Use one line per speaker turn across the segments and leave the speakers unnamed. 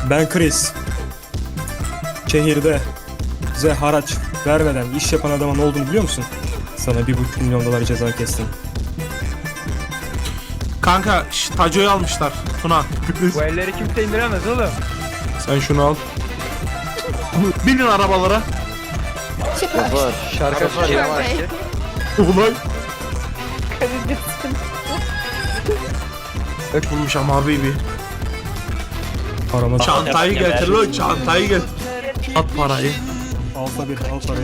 Ben Chris. Şehirde bize haraç vermeden iş yapan adamın ne olduğunu biliyor musun? Sana 1,5 milyon dolar ceza kestim.
Kanka Taco'yu almışlar. Tuna.
Bu elleri kimse indiremez oğlum.
Sen şunu al. Binin arabalara.
Var.
Şarkı var.
Ulan. Bulmuş ama baby.
Paramı
Çantayı getir lan, çantayı getir. At parayı.
al tabii, al parayı.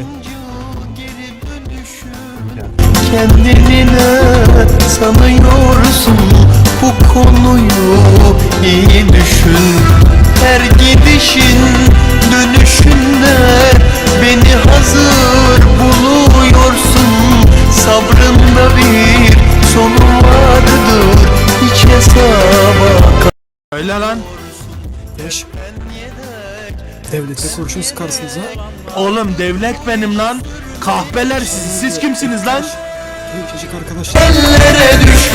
Kendini ne sanıyorsun, bu konuyu iyi düşün. Her gidişin dönüşünde beni hazır buluyorsun. Sabrında bir sonu vardır, hiç hesaba.
Öyle lan.
Eş. Devlete kurşun sıkarsınız ha.
Oğlum devlet benim lan. Kahpeler siz kimsiniz lan?
Çocuk arkadaşlar.
Ellere düş.